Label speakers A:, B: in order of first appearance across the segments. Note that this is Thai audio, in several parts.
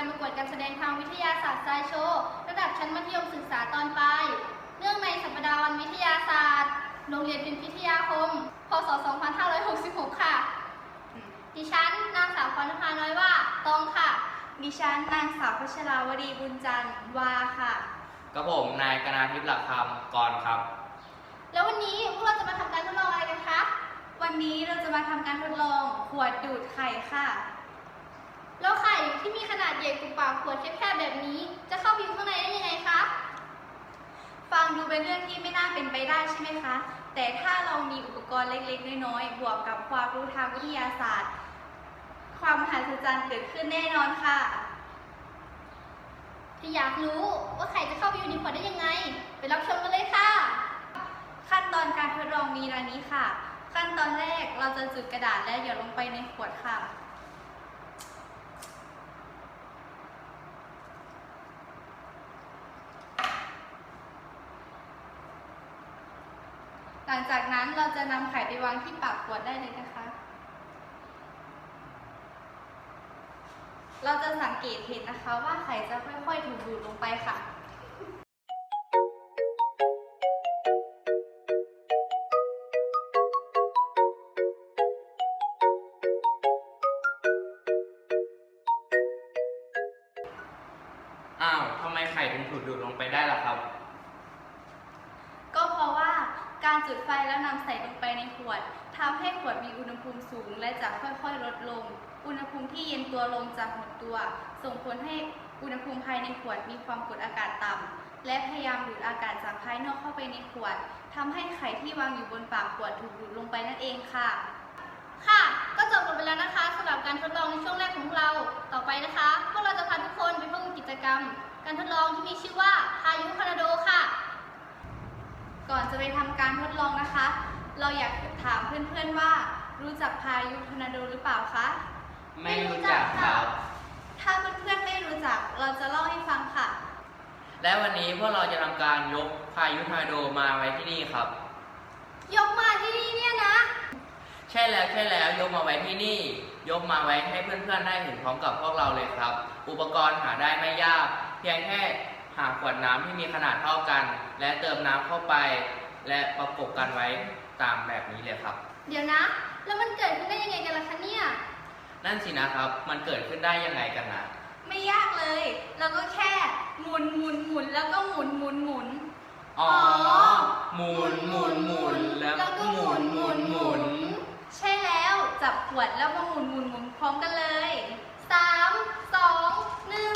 A: การประกวดการแสดงทางวิทยาศาสตร์ไซโชว์ระดับชั้นมัธยมศึกษาตอนปลายเนื่องในสัปดาห์วันวิทยาศาสตร์โรงเรียนพิมพิทยาคม พ.ศ. 2566 ค่ะดิฉันนางสาวพรณภาน้อยว่าตองค่ะ
B: ดิฉันนางสาวพัชราวดีบุญจันทร์วาค่ะ
C: กับผมนายกนาทิพย์หลักคำกรครับ
A: แล้ววันนี้พวกเราจะมาทำการทดลองอะไรกันคะ
B: วันนี้เราจะมาทำการทดลองขวดดูดไข่ค่ะ
A: แล้วไข่ที่มีขนาดใหญ่กว่าปากขวดแคบๆแบบนี้จะเข้าไปอยู่ข้างในได้ยังไงคะ
B: ฟังดูเป็นเรื่องที่ไม่น่าเป็นไปได้ใช่ไหมคะแต่ถ้าเรามีอุปกรณ์เล็กๆน้อยๆบวกกับความรู้ทางวิทยาศาสตร์ความมหัศจรรย์เกิดขึ้นแน่นอนค่ะ
A: ถ้าอยากรู้ว่าไข่จะเข้าไปอยู่ในขวดได้ยังไงไปรับชมกันเลยค่ะ
B: ขั้นตอนการทดลองมีดังนี้ค่ะขั้นตอนแรกเราจะจุดกระดาษและหยดลงไปในขวดค่ะหลังจากนั้นเราจะนำไข่ไปวางที่ปากขวดได้เลยนะคะเราจะสังเกตเห็นนะคะว่าไข่จะค่อยๆถูกดูดลงไปค่ะ
C: อ้าวทำไมไข่ถึงถูกดูดลงไปได้ล่ะครับ
B: ก็เพราะว่าการจุดไฟแล้วนำใส่ลงไปในขวดทำให้ขวดมีอุณหภูมิสูงและจะค่อยๆลดลงอุณหภูมิที่เย็นตัวลงจะหดตัวส่งผลให้อุณหภูมิภายในขวดมีความกดอากาศต่ำและพยายามดูดอากาศจากภายนอกเข้าไปในขวดทำให้ไข่ที่วางอยู่บนปากขวดถูกดูดลงไปนั่นเองค่ะ
A: ค่ะก็จบลงไปแล้วนะคะสำหรับการทดลองในช่วงแรกของเราต่อไปนะคะพวกเราจะพาทุกคนไปพบกับกิจกรรมการทดลองที่มีชื่อว่าพายุทอร์นาโดค่ะ
B: ก่อนจะไปทำการทดลองนะคะเราอยากถามเพื่อนๆว่ารู้จักพายุทอร์นาโดหรือเปล่าคะ
C: ไม่รู้จักครับ
B: ถ้าเพื่อนๆไม่รู้จักเราจะเล่าให้ฟังค่ะ
C: และวันนี้พวกเราจะทำการยกพายุทอร์นาโดมาไว้ที่นี่ครับ
A: ยกมาที่นี่เนี่ยนะ
C: ใช่แล้วยกมาไว้ที่นี่ยกมาไว้ให้เพื่อนๆได้เห็นพร้อมกับพวกเราเลยครับอุปกรณ์หาได้ไม่ยากเพียงแค่หาขวดน้ำที่มีขนาดเท่ากันและเติมน้ำเข้าไปและประกบกันไว้ตามแบบนี้เลยครับ
A: เดี๋ยวนะแล้วมันเกิดขึ้นได้ยังไงกันล่ะคะเนี่ย
C: นั่นสินะครับมันเกิดขึ้นได้ยังไงกันนะ
B: ไม่ยากเลยเราก็แค่หมุนแล้วก็หมุน
C: อ๋อหมุนแล้วก็หมุน
B: ใช่แล้วจับขวดแล้วมาหมุนพร้อมกันเลย
A: 3 2 1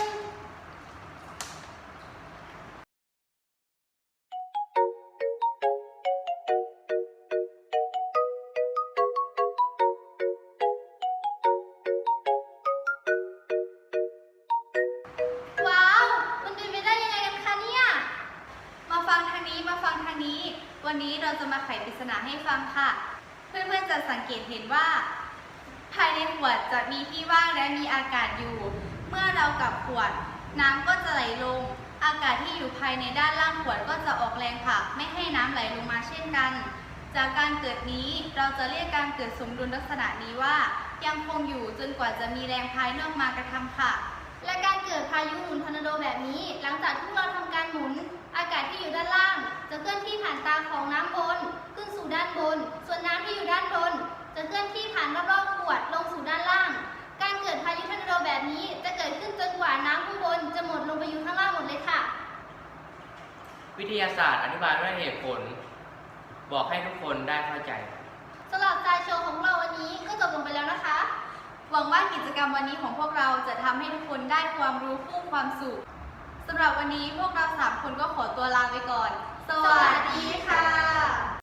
A: ว้าวมันเป็นไปได้ยังไงกันคะเนี่ย
B: มาฟังทางนี้วันนี้เราจะมาไขปริศนาให้ฟังค่ะเพื่อนๆจะสังเกตเห็นว่าภายในขวดจะมีที่ว่างและมีอากาศอยู่เมื่อเรากลับขวดน้ำก็จะไหลลงอากาศที่อยู่ภายในด้านล่างขวดก็จะออกแรงผลักไม่ให้น้ำไหลลงมาเช่นกันจากการเกิดนี้เราจะเรียกการเกิดสมดุลลักษณะนี้ว่ายังคงอยู่จนกว่าจะมีแรงภายนอกมากระทำค่ะ
A: และการเกิดพายุหมุนทอร์นาโดแบบนี้หลังจากที่เราทำการหมุนอากาศที่อยู่ด้านล่างจะเคลื่อนที่ผ่านตาของน้ำบนขึ้นสู่ด้านบนส่วนน้ำที่อยู่ด้านบนจะเคลื่อนที่ผ่านรอบๆขวดลงสู่ด้านล่างการเกิดพายุทอร์นาโดแบบนี้จะเกิดขึ้นจนกว่าน้ำข้างบนจะหมดลงไปอยู่ข้างล่างหมดเลยค่ะ
C: วิทยาศาสตร์อธิบายด้วยเหตุผลบอกให้ทุกคนได้เข้าใจ
A: สำหรับไซโชว์ของเราวันนี้ก็จบลงไปแล้วนะคะ
B: หวังว่ากิจกรรมวันนี้ของพวกเราจะทำให้ทุกคนได้ความรู้คู่ความสุขสำหรับวันนี้พวกเรา3 คนก็ขอตัวลาไปก่อนสวัสดีค่ะ